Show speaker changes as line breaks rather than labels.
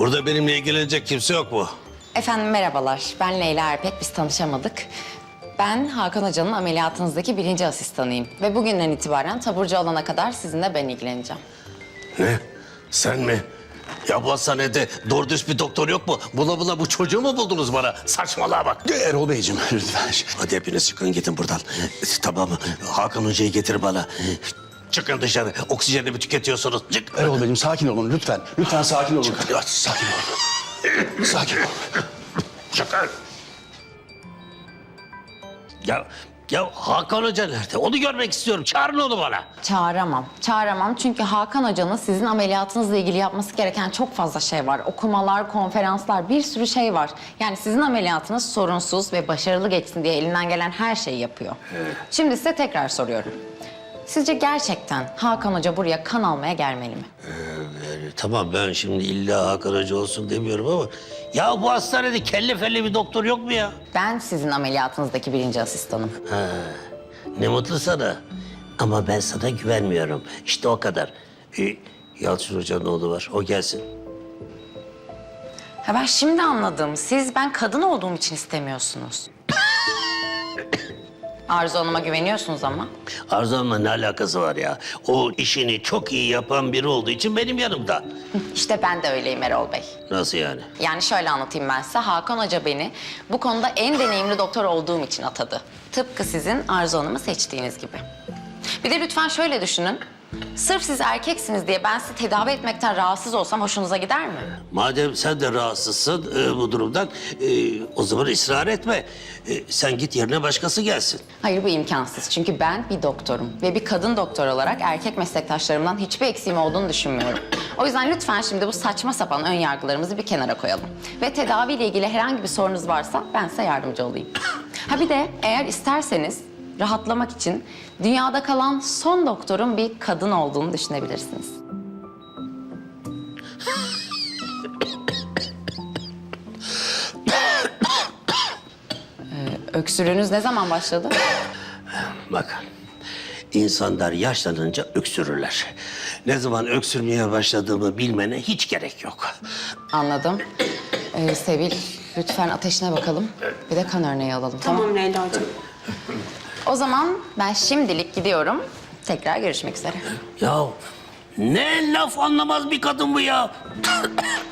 Burada benimle ilgilenecek kimse yok mu?
Efendim merhabalar. Ben Leyla Erpek. Biz tanışamadık. Ben Hakan Hoca'nın ameliyatınızdaki 1. asistanıyım. Ve bugünden itibaren taburcu olana kadar sizinle ben ilgileneceğim.
Ne? Sen mi? Ya bu hastanede doğru düz bir doktor yok mu? Bula bula bu çocuğu mu buldunuz bana? Saçmalığa bak.
Erol Beyciğim lütfen.
Hadi hepiniz çıkın gidin buradan. Tamam mı? Hakan Hoca'yı getir bana. Çıkın dışarı. Oksijenimi tüketiyorsunuz. Çık.
Erol Beyciğim sakin olun lütfen. Lütfen sakin olun.
Hadi.
Sakin olun. Sakin olun.
Çıkın. Ya Hakan Hoca nerede? Onu görmek istiyorum. Çağırın onu bana.
Çağıramam. Çağıramam çünkü Hakan Hoca'nın sizin ameliyatınızla ilgili yapması gereken çok fazla şey var. Okumalar, konferanslar, bir sürü şey var. Yani sizin ameliyatınız sorunsuz ve başarılı geçsin diye elinden gelen her şeyi yapıyor. Şimdi size tekrar soruyorum. Sizce gerçekten Hakan Hoca buraya kan almaya gelmeli mi?
Tamam ben şimdi illa Hakan Hoca olsun demiyorum ama... Ya bu hastanede kelle felli bir doktor yok mu ya?
Ben sizin ameliyatınızdaki 1. asistanım.
Ne mutlu sana. Ama ben sana güvenmiyorum. İşte o kadar. Yalçın Hoca'nın oğlu var. O gelsin.
Ha ben şimdi anladım. Siz ben kadın olduğum için istemiyorsunuz. Arzu Hanım'a güveniyorsunuz ama.
Arzu Hanım'la ne alakası var ya? O işini çok iyi yapan biri olduğu için benim yanımda.
İşte ben de öyleyim Erol Bey.
Nasıl yani?
Yani şöyle anlatayım ben size. Hakan Hoca beni bu konuda en deneyimli doktor olduğum için atadı. Tıpkı sizin Arzu Hanım'ı seçtiğiniz gibi. Bir de lütfen şöyle düşünün. Sırf siz erkeksiniz diye ben sizi tedavi etmekten rahatsız olsam hoşunuza gider mi?
Madem sen de rahatsızsın bu durumdan, o zaman ısrar etme. Sen git yerine başkası gelsin.
Hayır bu imkansız. Çünkü ben bir doktorum. Ve bir kadın doktor olarak erkek meslektaşlarımdan hiçbir eksiğim olduğunu düşünmüyorum. O yüzden lütfen şimdi bu saçma sapan ön yargılarımızı bir kenara koyalım. Ve tedaviyle ilgili herhangi bir sorunuz varsa ben size yardımcı olayım. Ha bir de eğer isterseniz rahatlamak için dünyada kalan son doktorun bir kadın olduğunu düşünebilirsiniz. Öksürüğünüz ne zaman başladı?
Bak, insanlar yaşlanınca öksürürler. Ne zaman öksürmeye başladığımı bilmene hiç gerek yok.
Anladım. Sevil, lütfen ateşine bakalım. Bir de kan örneği alalım.
Tamam Leyla hocam.
O zaman ben şimdilik gidiyorum. Tekrar görüşmek üzere.
Ya ne laf anlamaz bir kadın bu ya.